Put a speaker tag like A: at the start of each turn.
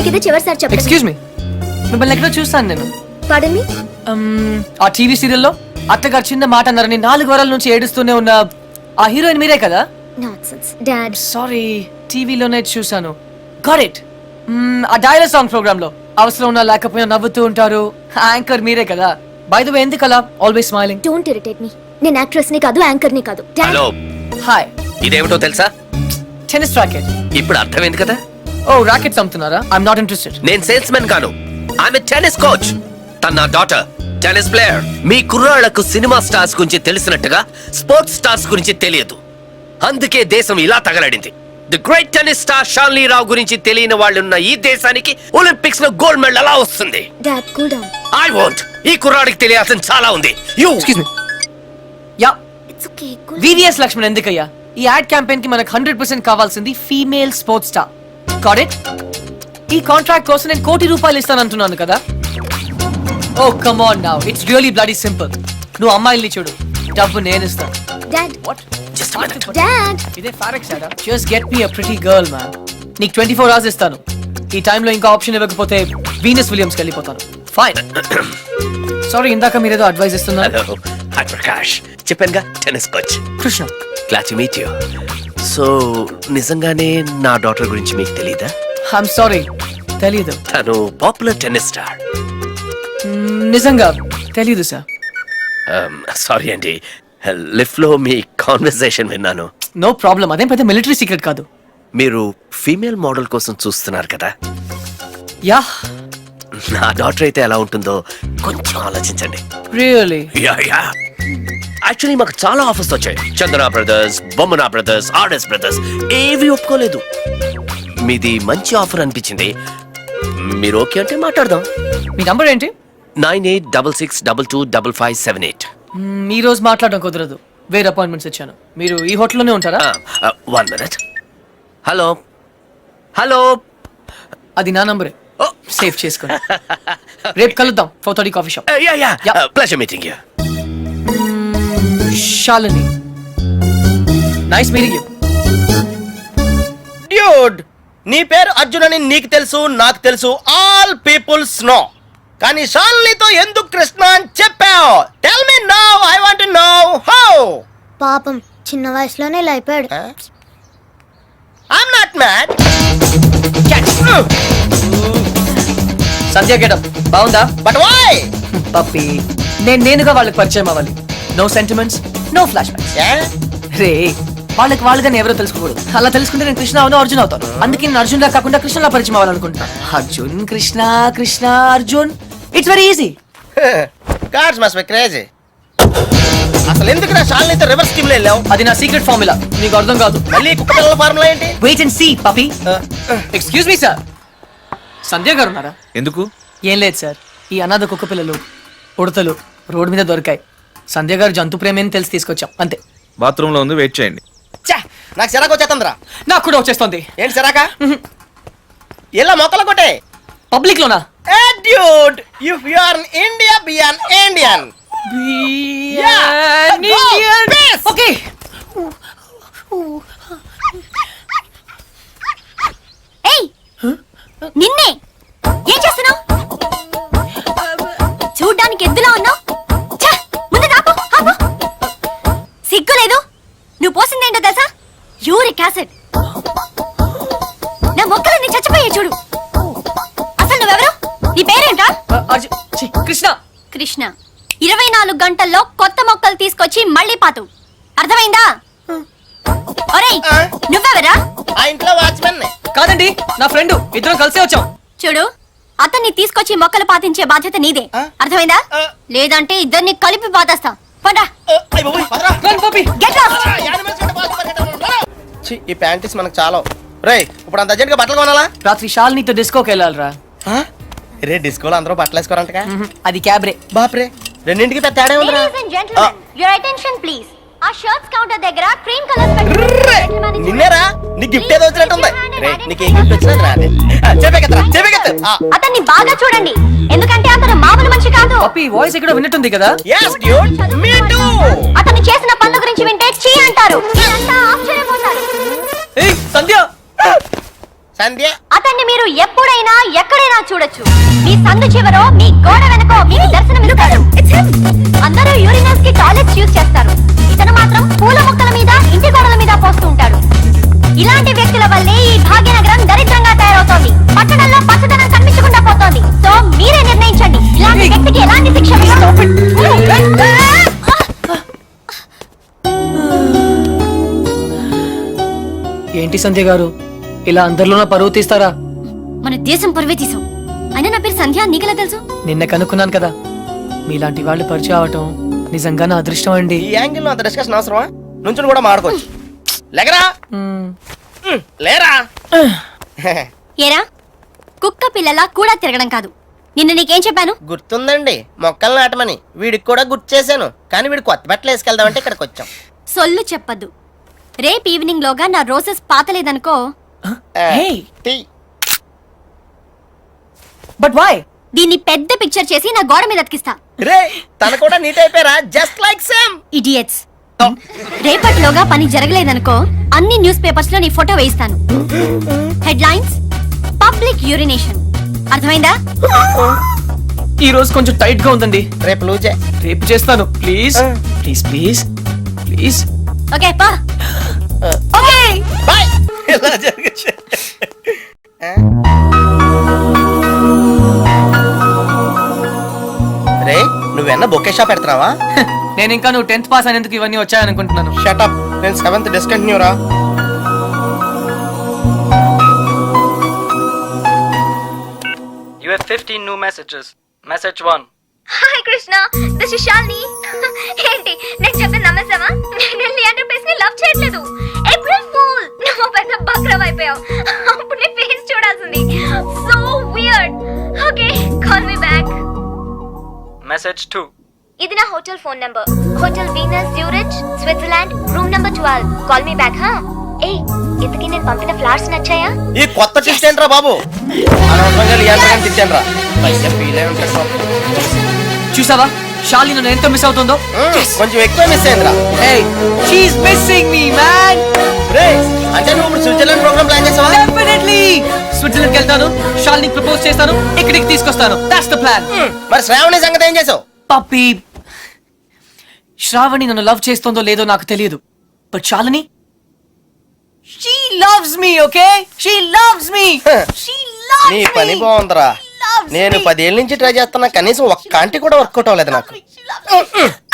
A: ఇదే చివరిసారి చెప్పండి.
B: ఎక్స్క్యూజ్ మీ, మిమ్మల్ని ఎక్కడో చూస్తాను నేను.
A: పాడన్ మీ.
B: ఆ టీవీ సీరియల్లో అత్తగారు చిన్న మాట అన్నారని 4 వారాల నుంచి ఏడుస్తూనే ఉన్న ఆ హీరోయిన్ మీరే కదా?
A: Nonsense dad.
B: సారీ, టీవీలోనే చూసాను. Got it. ఆ డైలాగ్ సాంగ్ ప్రోగ్రామ్ లో అవసరం ఉన్నా లేకపోయినా నవ్వుతూ ఉంటారు. యాంకర్ మీరే కదా? బై ద వే, ఎందుకలా always smiling?
A: Don't irritate me. నేను యాక్ట్రెస్ ని కాదు, యాంకర్ ని కాదు.
C: Hello,
B: hi.
C: ఇదేమిటో తెలుసా?
B: Tennis racket.
C: ఇప్పుడు అర్థమైంది కదా?
B: ఓ, రాకెట్స్ అమ్ముతున్నారా? I'm not interested.
C: నేను సేల్స్ మెన్ కాను, ఆమె టెన్నిస్ కోచ్. తన నా డాటర్ టెన్నిస్ ప్లేయర్. మీ కుర్రాళ్లకు సినిమా స్టార్స్ గురించి తెలిసినట్టుగా స్పోర్ట్స్ స్టార్స్ గురించి తెలియదు. అందుకే దేశం ఇలా తగలడింది. The great tennis star Shanley Rao గురించి తెలియని వాళ్ళున్న ఈ దేశానికి ఒలింపిక్స్ లో గోల్డ్ మెడల్ ఎలా వస్తుంది?
A: Dad cool down.
C: I want. ఈ కుర్రాడికి తెలియాల్సిన చాలా ఉంది. You
B: excuse me. Yeah,
A: it's okay. Cool.
B: VVS Laxman ఎందుకయ్యా? ఈ యాడ్ క్యాంపెయిన్ కి మనకు 100% కావాల్సింది female sports star. Got it? ఈ కాంట్రాక్ట్ కోసం నేను ₹1 కోటి ఇస్తానంటున్నాను కదా? Oh come on now, it's really bloody simple. నువ్వు అమ్మాయిల్ని చూడు, డబ్బు నేను ఇస్తాను.
A: Dad.
B: What?
C: Just minute.
A: Dad.
B: ఇదే ఫారెక్స్ యాడా? Just get me a pretty girl man. నీకు 24 hours ఇస్తాను. ఈ టైంలో ఇంకా ఆప్షన్ ఇవ్వకపోతే వీనస్ విలియమ్స్కి వెళ్ళిపోతాను. ఫైన్. సారీ, ఇందాక మీరేదో అడ్వైస్ ఇస్తున్నారు.
C: Hello, hi Prakash. చెప్పానుగా, tennis coach.
B: Krishna.
C: Glad to meet you. So నిజంగానే నా డాటర్ గురించి మీకు తెలీదా?
B: ఐఎమ్ సారీ, తెలీదు.
C: తను పాపులర్ టెన్నిస్ స్టార్.
B: నిజంగా తెలీదు సార్.
C: సారీ అండి, లిఫ్ట్ లో మీ కాన్వర్సేషన్ విన్నాను.
B: నో ప్రాబ్లం, అదేం పెద్ద మిలిటరీ సీక్రెట్ కాదు.
C: మీరు ఫీమేల్ మోడల్ కోసం చూస్తున్నారు కదా?
B: యా.
C: నా డాటర్ అయితే ఎలా ఉంటుందో కొంచెం ఆలోచించండి.
B: రియల్లీ?
C: యాక్చువల్లీ మాకు చాలా ఆఫర్స్ వచ్చాయి. Chandana brothers, Bommana brothers, RS brothers ఏవి ఒప్పుకోలేదు. మీది మంచి ఆఫర్ అనిపించింది. మీరు ఓకే అంటే మాట్లాడదాం.
B: మీ నంబర్ ఏంటి?
C: 9866225578.
B: ఈ రోజు మాట్లాడడం కుదరదు, వేరే అపాయింట్మెంట్స్ ఇచ్చాను. మీరు ఈ హోటల్లోనే ఉంటారా?
C: 1 minute. హలో హలో,
B: అది నా నంబరే, సేవ్ చేసుకోండి. రేపు కలుద్దాం 4:30 coffee shop.
C: Pleasure meeting you.
B: Shalini, nice meeting you.
D: Dude, నీ పేరు అర్జున్ అని నీకు తెలుసు, నాకు తెలుసు, ఆల్ పీపుల్స్ నో. కానీ షాలినితో ఎందుకు కృష్ణ అని చెప్పావు? Tell me now, I want to know how.
A: పాపం చిన్న వయసులోనే ఇలా అయిపోయాడు.
D: I'm not mad.
B: Sandhya getup బాగుందా?
D: But why?
B: పప్పి, నేనుగా వాళ్ళకి పరిచయం అవ్వాలి. No sentiments, no flashbacks. రే, వాళ్ళకి వాళ్ళుగా ఎవరో తెలుసుకోకూడదు. అలా తెలుసుకుంటే నేను కృష్ణ అవును, అర్జున్ అవుతాను. అందుకే నేను అర్జున్ లా కాకుండా కృష్ణలా పరిచయం అవ్వాలనుకుంటున్నాను. Arjun Krishna, Krishna Arjun, it's very easy.
D: Gods must be crazy. అసలు ఎందుకు నా షాలినితో రివర్స్ స్కీమ్ లో వెళ్ళావు?
B: అది నా సీక్రెట్ ఫార్ములా, నీకు అర్థం కాదు.
D: మళ్ళీ కుక్క పిల్లల ఫార్ములా ఏంటి?
B: Wait and see puppy. Excuse me sir, Sandhya garu ఉన్నారా?
E: ఎందుకు?
B: ఏం లేదు సార్, ఈ అనాథ కుక్క పిల్లలు ఉడతలు రోడ్డు మీద దొరికాయి. సంధ్య గారు జంతు ప్రేమని తెలిసి తీసుకొచ్చాం, అంతే.
E: బాత్రూమ్ లో ఉంది, వెయిట్ చేయండి.
D: నాకు సిరాకు వచ్చేస్తుందిరా.
B: నాకు కూడా వచ్చేస్తుంది.
D: ఏంటి సిరాకా? ఇలా మొక్కలు కొట్టే
B: పబ్లిక్ లోనా?
D: Dude, if you are in India, be an Indian. Yeah, go, peace.
B: Okay.
A: ఏయ్, నిన్నే ఏం చేస్తున్నావు? చూడ్డానికి ఎద్దులా ఉన్నావు. ముందు ఆపు, ఆపు. సిగ్గు లేదు? నువ్వు పోసిందేంటో తెలుసా? Uric acid. నా మొక్కలన్నీ చచ్చిపోయాయి చూడు. అసలు నువ్వెవరు? నీ పేరేంటా?
B: కృష్ణ.
A: కృష్ణ 24 గంటల్లో కొత్త మొక్కలు తీసుకొచ్చి మళ్ళీ పాతు. అర్థమైందా? ఒరేయ్, నువ్వెవరా?
D: ఆ ఇంట్లో వాచ్మెన్.
B: కాదండి, నా ఫ్రెండ్. ఇద్దరం కలిసే వచ్చాం.
A: చూడు, అతన్ని తీసుకొచ్చి మొక్కలు పాతించే బాధ్యత నీదే. అర్థమైందా? లేదంటే ఇద్దరిని కలిపి పాతేస్తా. పోండా. Get lost.
D: ఈ ప్యాంటీస్ మనకు చాలా. రేయ్, ఇప్పుడు అంత అర్జెంట్ గా బట్టలు కొనాలా?
B: రాత్రి శాలినితో డిస్కోకి వెళ్ళాలిరా.
D: రే, డిస్కోలో అందరూ బట్టలు వేసుకోరంటగా.
B: అది క్యాబ్రే.
D: బాప్రే, రెండింటికి పెద్ద తేడా ఉందిరా.
A: Ladies and gentlemen, your attention please. ఆ షర్ట్స్ కౌంటర్ దగ్గర క్రీమ్ కలర్
D: నిన్నేరా, నీ గిఫ్ట్ ఏదో వచ్చినట్టుంది. రే, నీకు ఏ గిఫ్ట్ వచ్చినది రా. చెప్పేకెత్తు.
A: అతన్ని బాగా చూడండి, ఎందుకంటే అతను మామూలు మనిషి కాదు.
B: పప్పి వాయిస్ ఎక్కడో విన్నట్టుంది కదా?
D: yes dude, me too.
A: అతను చేసిన పనుల గురించి వింటే చీ అంటారు. మీరంతా ఆశ్చర్యపోతారు.
B: ఏయ్ సంధ్య.
D: సంధ్య.
A: అతను అతన్ని మీరు ఎప్పుడైనా ఎక్కడైనా చూడొచ్చు. మీ సందు చివరో మీ గోడ వెనకో మీకు దర్శనమిస్తాడు. అందరూ యూరినల్స్ కి టాయిలెట్స్ యూజ్ చేస్తారు. ఇతను మాత్రం పూల మొక్కల మీద ఇంటి గోడల మీద పోస్తూ ఉంటాడు. ఇలాంటి వ్యక్తుల వల్లే ఈ భాగ్యనగరం దరిద్రంగా తయారవుతోంది. పట్టణంలో పచ్చదనం కనిపించకుండా పోతోంది. సో మీరే నిర్ణయించండి ఇలాంటి వ్యక్తికి ఎలాంటి శిక్ష
B: ఏంటి సంధ్య గారు ఇలా అందరిలోన పరువు తీస్తారా?
A: మన దేశం పరువే తీసాం. అయినా నా పేరు సంధ్య, నీకెలా తెలుసు?
B: నిన్న కనుక్కున్నాను కదా. మీలాంటి వాళ్ళు పరిచయం అవటం నిజంగా నా అదృష్టం అండి.
D: ఈ యాంగిల్ లో అంత డిస్కషన్ అవసరమా? నుంచుని కూడా మాడుకోవచ్చు. లేకరా లేరా.
A: ఏరా కుక్క పిల్లలా కూడా తిరగడం కాదు. నిన్న నీకేం చెప్పాను?
D: గుర్తుందండి, మొక్కలు నాటమని. వీడికి కూడా గుర్తు చేశాను, కానీ వీడు కొత్త బట్టలు వేసుకెళ్దామంటే ఇక్కడికి వచ్చాం.
A: సొల్లు చెప్పద్దు. రేపు ఈవినింగ్ లోగా నా రోజెస్ పాతలేదనుకో.
B: Hey.
D: టీ.
B: But why?
A: దీన్ని పెద్ద పిక్చర్ చేసి నా గోడ మీద అతికిస్తా.
D: రే తన కూడా నీట్ అయిపోయారా? Just like same.
A: ఇడియట్స్. రేపటిలోగా పని జరగలేదనుకో అన్ని న్యూస్ పేపర్స్ లో నీ ఫోటో వేయిస్తాను. Headlines public urination. అర్థమైందా?
B: ఈ రోజు కొంచెం టైట్ గా ఉందండి.
D: రేపు లూజే.
B: రేపు చేస్తాను please please please please.
A: Okay పా. Okay
D: bye. ఇలా జరిగింది. రే నువ్వెన్న బొకే షాప్ పెడుతున్నావా?
B: నేను ఇంకా నువ్వు 10th పాస్ అనేందుకు ఇవన్నీ వచ్చాయనుకుంటున్నాను.
D: షటప్. నేను 7th డిస్కంటిన్యూ రా.
F: You have 15 new messages. Message 1.
A: Hi Krishna, this is Shalini. ఏంటి నేను చెప్పింది నమ్మేసావా? నేను లియాండర్ పేస్ ని లవ్ చేయట్లేదు. April fool. నువ్వు పెద్ద బక్రవ్ అయిపోయావు. అప్పుడు నీ ఫేస్ చూడాల్సింది. So weird. Okay call me back.
F: Message 2.
A: ఇది నా hotel phone number. Hotel Venus Zurich Switzerland room number 12. Call me back హా. ఏ ఇంతకీ నేను పంపిన ఫ్లవర్స్ నచ్చాయా?
D: ఈ కొత్త ట్విస్ట్ ఏంట్రా బాబు? అనవసరంగా లియాండర్ తిట్టానురా. పైగా ఫీల్ అయి ఉంటాడు బాబు.
B: చూసావా షాలిని నన్ను ఎంత మిస్ అవుతుందో?
D: కొంచెం ఎక్కువ మిస్ అయిందిరా.
B: Hey, she's missing me, man.
D: రే అంటే నువ్వు ఇప్పుడు స్విట్జర్లాండ్ ప్రోగ్రామ్ ప్లాన్ చేసావా?
B: Definitely. స్విట్జర్లాండ్కి వెళ్తాను, షాలినికి ప్రపోజ్ చేస్తాను, ఇక్కడికి తీసుకొస్తాను. That's the plan.
D: మరి శ్రావణి సంగతి ఏం చేసావు?
B: పప్పి, శ్రావణి నన్ను లవ్ చేస్తుందో లేదో నాకు తెలియదు. But Shalini, she loves me, okay? She loves me. She loves
D: నీ
B: me.
D: పని బాగుందిరా. నేను 10 ఏళ్ళ నుంచి ట్రై చేస్తున్నా, కనీసం ఒక్క ఆంటీ కూడా వర్కౌట్ అవ్వలేదు నాకు.